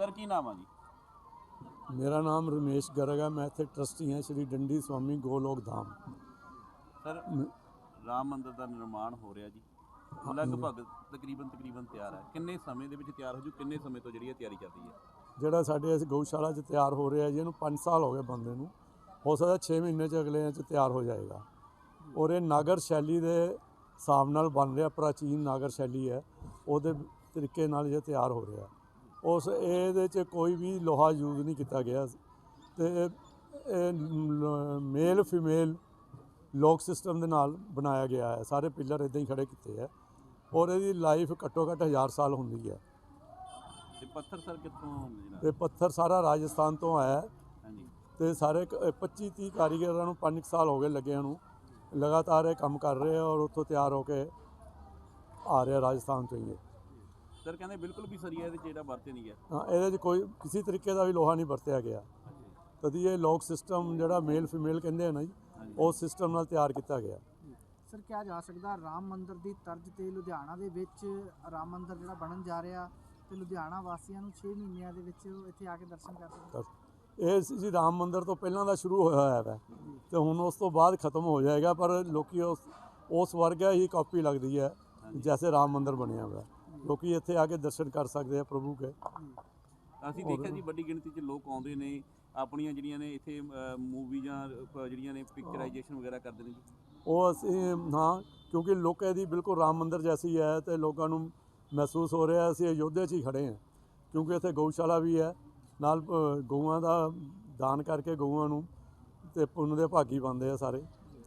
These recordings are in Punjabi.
सर की नाम है जी? मेरा नाम रमेश गर्ग है। मैं इत्थे ट्रस्टी हाँ श्री डंडी स्वामी गोलोक धाम। सर राम मंदिर का निर्माण हो रहा जी, लगभग तकरीबन तैयार है। किन्ने समय ਦੇ ਵਿੱਚ ਤਿਆਰ ਹੋ ਜੂ? ਕਿੰਨੇ ਸਮੇਂ ਤੋਂ ਜਿਹੜੀ ਇਹ ਤਿਆਰੀ ਚੱਲ ਰਹੀ ਹੈ? ਜਿਹੜਾ ਸਾਡੇ ਇਸ ਗਊਸ਼ਾਲਾ 'ਚ ਤਿਆਰ ਹੋ ਰਿਹਾ ਜੀ, ਇਹਨੂੰ 5 ਸਾਲ ਹੋ ਗਏ ਬੰਦੇ ਨੂੰ। ਹੋ ਸਕਦਾ 6 ਮਹੀਨੇ 'ਚ ਅਗਲੇ 'ਚ ਤਿਆਰ ਹੋ ਜਾਏਗਾ। ਔਰ ਇਹ ਨਾਗਰ ਸ਼ੈਲੀ ਦੇ ਹਿਸਾਬ ਨਾਲ ਬਣ ਰਿਹਾ, ਪ੍ਰਾਚੀਨ ਨਾਗਰ ਸ਼ੈਲੀ ਹੈ, ਉਹਦੇ ਤਰੀਕੇ ਨਾਲ ਇਹ ਤਿਆਰ ਹੋ ਰਿਹਾ। ਉਸ ਇਹਦੇ 'ਚ ਕੋਈ ਵੀ ਲੋਹਾ ਯੂਜ਼ ਨਹੀਂ ਕੀਤਾ ਗਿਆ ਤੇ ਮੇਲ ਫੀਮੇਲ ਲੋਕ ਸਿਸਟਮ ਦੇ ਨਾਲ ਬਣਾਇਆ ਗਿਆ ਹੈ। ਸਾਰੇ ਪਿੱਲਰ ਇੱਦਾਂ ਹੀ ਖੜੇ ਕੀਤੇ ਹੈ ਔਰ ਇਹਦੀ ਲਾਈਫ ਘੱਟੋ ਘੱਟ 1000 ਸਾਲ ਹੁੰਦੀ ਹੈ। ਤੇ ਪੱਥਰ ਸਰ ਕਿੱਥੋਂ ਜਿਹੜਾ? ਇਹ ਪੱਥਰ ਸਾਰਾ ਰਾਜਸਥਾਨ ਤੋਂ ਆਇਆ ਹੈ ਹਾਂਜੀ। ਤੇ ਸਾਰੇ 25-30 ਕਾਰੀਗਰਾਂ ਨੂੰ 5 ਸਾਲ ਹੋ ਗਏ ਲੱਗਿਆਂ ਨੂੰ, ਲਗਾਤਾਰ ਇਹ ਕੰਮ ਕਰ ਰਹੇ ਆ ਔਰ ਉੱਥੋਂ ਤਿਆਰ ਹੋ ਕੇ ਆ ਰਿਹਾ ਰਾਜਸਥਾਨ ਤੋਂ ਹੀ ਇਹ। ਸਰ ਕਹਿੰਦੇ ਬਿਲਕੁਲ ਵੀ ਸਰੀਆ ਇਹਦੇ 'ਚ ਜਿਹੜਾ ਵਰਤੇ ਨਹੀਂ ਗਿਆ। ਹਾਂ, ਇਹਦੇ 'ਚ ਕੋਈ ਕਿਸੇ ਤਰੀਕੇ ਦਾ ਵੀ ਲੋਹਾ ਨਹੀਂ ਵਰਤਿਆ ਗਿਆ। ਤਦੀ ਇਹ ਲੋਕ ਸਿਸਟਮ ਜਿਹੜਾ ਮੇਲ ਫੀਮੇਲ ਕਹਿੰਦੇ ਆ ਨਾ ਜੀ, ਉਸ ਸਿਸਟਮ ਨਾਲ ਤਿਆਰ ਕੀਤਾ ਗਿਆ। ਸਰ ਕਿਹਾ ਜਾ ਸਕਦਾ ਰਾਮ ਮੰਦਿਰ ਦੀ ਤਰਜ਼ ਤੇ ਲੁਧਿਆਣਾ ਦੇ ਵਿੱਚ ਰਾਮ ਮੰਦਿਰ ਜਿਹੜਾ ਬਣਨ ਜਾ ਰਿਹਾ ਤੇ ਲੁਧਿਆਣਾ ਵਾਸੀਆਂ ਨੂੰ 6 ਮਹੀਨਿਆਂ ਦੇ ਵਿੱਚ ਇੱਥੇ ਆ ਕੇ ਦਰਸ਼ਨ ਕਰ ਸਕਦੇ। ਇਹ ਜੀ ਰਾਮ ਮੰਦਿਰ ਤੋਂ ਪਹਿਲਾਂ ਦਾ ਸ਼ੁਰੂ ਹੋਇਆ ਹੋਇਆ ਹੈ ਤੇ ਹੁਣ ਉਸ ਤੋਂ ਬਾਅਦ ਖਤਮ ਹੋ ਜਾਏਗਾ, ਪਰ ਲੋਕੀ ਉਸ ਵਰਗਾ ਹੀ ਕਾਪੀ ਲੱਗਦੀ ਹੈ ਜੈਸੇ ਰਾਮ ਮੰਦਿਰ ਬਣਿਆ ਹੋਇਆ। ਲੋਕੀ ਇੱਥੇ ਆ ਕੇ ਦਰਸ਼ਨ ਕਰ ਸਕਦੇ ਆ ਪ੍ਰਭੂ ਕੇ। ਅਸੀਂ ਦੇਖਿਆ ਜੀ ਵੱਡੀ ਗਿਣਤੀ 'ਚ ਲੋਕ ਆਉਂਦੇ ਨੇ, ਆਪਣੀਆਂ ਜਿਹੜੀਆਂ ਨੇ ਇੱਥੇ ਮੂਵੀਆਂ ਜਿਹੜੀਆਂ ਨੇ ਪਿਕਚਰਾਈਜੇਸ਼ਨ ਵਗੈਰਾ ਕਰਦੇ ਨੇ ਜੀ। ਉਹ ਅਸੀਂ ਹਾਂ, ਕਿਉਂਕਿ ਲੋਕ ਇਹਦੀ ਬਿਲਕੁਲ ਰਾਮ ਮੰਦਿਰ ਜੈਸੀ ਹੈ ਤੇ ਲੋਕਾਂ ਨੂੰ ਮਹਿਸੂਸ ਹੋ ਰਿਹਾ ਅਸੀਂ ਅਯੋਧਿਆ 'ਚ ਹੀ ਖੜੇ ਹਾਂ, ਕਿਉਂਕਿ ਇੱਥੇ ਗਊਸ਼ਾਲਾ ਵੀ ਹੈ ਨਾਲ। ਗਊਆਂ ਦਾ ਦਾਨ ਕਰਕੇ ਗਊਆਂ ਨੂੰ ਤੇ ਪੁੰਨ ਦੇ ਭਾਗੀ ਬਣਦੇ ਆ ਸਾਰੇ।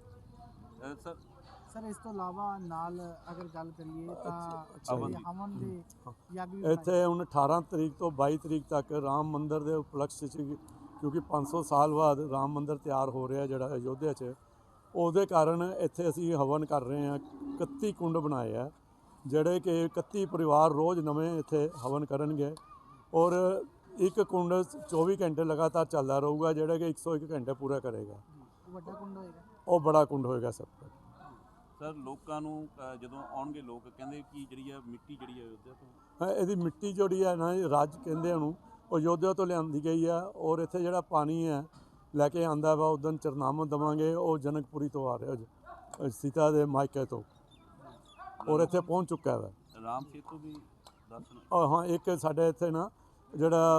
ਸਰ ਇਸ ਤੋਂ ਇਲਾਵਾ ਨਾਲ ਅਗਰ ਗੱਲ ਕਰੀਏ ਤਾਂ ਹਵਨ ਦੇ ਯੱਗ ਵੀ ਇੱਥੇ ਹੁਣ 18 ਤਰੀਕ ਤੋਂ 22 ਤਰੀਕ ਤੱਕ ਰਾਮ ਮੰਦਿਰ ਦੇ ਉਪਲਕਸ਼ 'ਚ, ਕਿਉਂਕਿ 500 ਸਾਲ ਬਾਅਦ ਰਾਮ ਮੰਦਿਰ ਤਿਆਰ ਹੋ ਰਿਹਾ ਜਿਹੜਾ ਅਯੋਧਿਆ 'ਚ, ਉਹਦੇ ਕਾਰਨ ਇੱਥੇ ਅਸੀਂ ਹਵਨ ਕਰ ਰਹੇ ਹਾਂ। 31 ਕੁੰਡ ਬਣਾਏ ਆ ਜਿਹੜੇ ਕਿ 31 ਪਰਿਵਾਰ ਰੋਜ਼ ਨਵੇਂ ਇੱਥੇ ਹਵਨ ਕਰਨਗੇ ਔਰ ਇੱਕ ਕੁੰਡ 24 ਘੰਟੇ ਲਗਾਤਾਰ ਚੱਲਦਾ ਰਹੂਗਾ, ਜਿਹੜਾ ਕਿ 101 ਘੰਟੇ ਪੂਰਾ ਕਰੇਗਾ। ਵੱਡਾ ਕੁੰਡ ਹੋਏਗਾ, ਉਹ ਬੜਾ ਕੁੰਡ ਹੋਏਗਾ ਸਭ ਤੋਂ। ਸਰ ਲੋਕਾਂ ਨੂੰ ਜਦੋਂ ਆਉਣਗੇ ਲੋਕ ਕਹਿੰਦੇ ਕਿ ਜਿਹੜੀ ਆ ਮਿੱਟੀ ਜਿਹੜੀ ਹੈ ਅਯੋਧਿਆ ਤੋਂ, ਇਹਦੀ ਮਿੱਟੀ ਜਿਹੜੀ ਹੈ ਨਾ ਰਾਜ ਕਹਿੰਦੇ ਉਹਨੂੰ, ਉਹ ਅਯੋਧਿਆ ਤੋਂ ਲਿਆਂਦੀ ਗਈ ਹੈ ਔਰ ਇੱਥੇ ਜਿਹੜਾ ਪਾਣੀ ਹੈ ਲੈ ਕੇ ਆਂਦਾ ਵਾ ਉਦੋਂ ਚਰਨਾਮਤ ਦੇਵਾਂਗੇ, ਉਹ ਜਨਕਪੁਰੀ ਤੋਂ ਆ ਰਿਹਾ, ਸੀਤਾ ਦੇ ਮਾਇਕੇ ਤੋਂ, ਔਰ ਇੱਥੇ ਪਹੁੰਚ ਚੁੱਕਾ ਵਾ। ਰਾਮ ਸੇਤੂ ਵੀ ਦਰਸ਼ਨ? ਹਾਂ, ਇੱਕ ਸਾਡੇ ਇੱਥੇ ਨਾ ਜਿਹੜਾ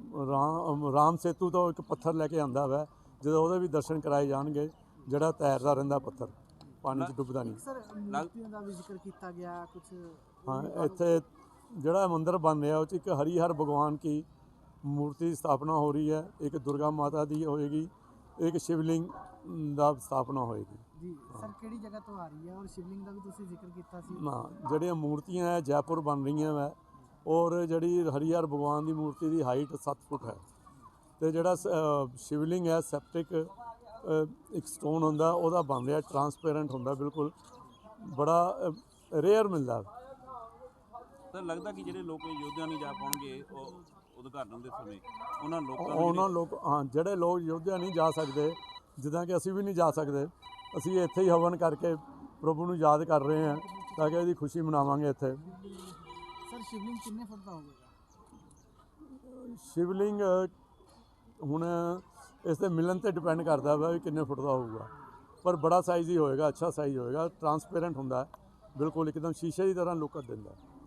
ਰਾਮ ਸੇਤੂ ਤੋਂ ਇੱਕ ਪੱਥਰ ਲੈ ਕੇ ਆਂਦਾ ਵਾ, ਜਦੋਂ ਉਹਦੇ ਵੀ ਦਰਸ਼ਨ ਕਰਾਏ ਜਾਣਗੇ, ਜਿਹੜਾ ਤੈਰਦਾ ਰਹਿੰਦਾ ਪੱਥਰ, ਪਾਣੀ 'ਚ ਡੁੱਬਦਾ ਨਹੀਂ। ਸਰ ਮੂਰਤੀਆਂ ਦਾ ਵੀ ਜ਼ਿਕਰ ਕੀਤਾ ਗਿਆ ਕੁਝ। ਹਾਂ, ਇੱਥੇ ਜਿਹੜਾ ਮੰਦਿਰ ਬਣ ਰਿਹਾ ਉਹ 'ਚ ਇੱਕ ਹਰੀਹਰ ਭਗਵਾਨ ਕੀ मूर्ति स्थापना हो रही है, एक दुर्गा माता दी होएगी, एक शिवलिंग ਦਾ ਸਥਾਪਨਾ ਹੋਏਗੀ ਜੀ। ਸਰ ਕਿਹੜੀ ਜਗ੍ਹਾ ਤੋਂ ਆ ਰਹੀ ਹੈ ਔਰ ਸ਼ਿਵਲਿੰਗ ਦਾ ਵੀ ਤੁਸੀਂ ਜ਼ਿਕਰ ਕੀਤਾ ਸੀ? ਨਾ, ਜਿਹੜੀਆਂ ਮੂਰਤੀਆਂ ਹੈ ਜੈਪੁਰ ਬਣ ਰਹੀਆਂ ਵਾ ਔਰ ਜਿਹੜੀ ਹਰੀਹਰ ਭਗਵਾਨ ਦੀ ਮੂਰਤੀ ਦੀ ਹਾਈਟ 7 ਫੁੱਟ ਹੈ ਤੇ ਜਿਹੜਾ ਸ਼ਿਵਲਿੰਗ ਹੈ ਸੈਪਟਿਕ ਇੱਕ ਸਟੋਨ ਹੁੰਦਾ ਉਹਦਾ ਬਣ ਰਿਹਾ, ਟਰਾਂਸਪੇਰੈਂਟ ਹੁੰਦਾ ਬਿਲਕੁਲ, ਬੜਾ ਰੇਅਰ ਮਿਲਦਾ। ਤਾਂ ਲੱਗਦਾ ਕਿ ਜਿਹੜੇ ਲੋਕ ਯੋਧਿਆ ਨਹੀਂ ਜਾ ਪਾਉਣਗੇ ਉਹ ਉਦਘਾਟਨ ਦੇ ਸਮੇਂ ਹਾਂ, ਜਿਹੜੇ ਲੋਕ ਯੋਧਿਆ ਨਹੀਂ ਜਾ ਸਕਦੇ, ਜਿੱਦਾਂ ਕਿ ਅਸੀਂ ਵੀ ਨਹੀਂ ਜਾ ਸਕਦੇ, ਅਸੀਂ ਇੱਥੇ ਹੀ ਹਵਨ ਕਰਕੇ ਪ੍ਰਭੂ ਨੂੰ ਯਾਦ ਕਰ ਰਹੇ ਹਾਂ ਤਾਂ ਕਿ ਇਹਦੀ ਖੁਸ਼ੀ ਮਨਾਵਾਂਗੇ ਇੱਥੇ। ਸਰ ਸ਼ਿਵਲਿੰਗ ਕਿੰਨੇ ਫੁੱਟ ਦਾ ਹੋਵੇਗਾ? ਸ਼ਿਵਲਿੰਗ ਹੁਣ ਇਸ ਦੇ ਮਿਲਣ 'ਤੇ ਡਿਪੈਂਡ ਕਰਦਾ ਵਾ ਵੀ ਕਿੰਨੇ ਫੁੱਟ ਦਾ ਹੋਊਗਾ, ਪਰ ਬੜਾ ਸਾਈਜ਼ ਹੀ ਹੋਏਗਾ, ਅੱਛਾ ਸਾਈਜ਼ ਹੋਏਗਾ, ਟਰਾਂਸਪੇਰੈਂਟ ਹੁੰਦਾ ਬਿਲਕੁਲ, ਇੱਕਦਮ ਸ਼ੀਸ਼ੇ ਦੀ ਤਰ੍ਹਾਂ ਲੁੱਕ ਦਿੰਦਾ।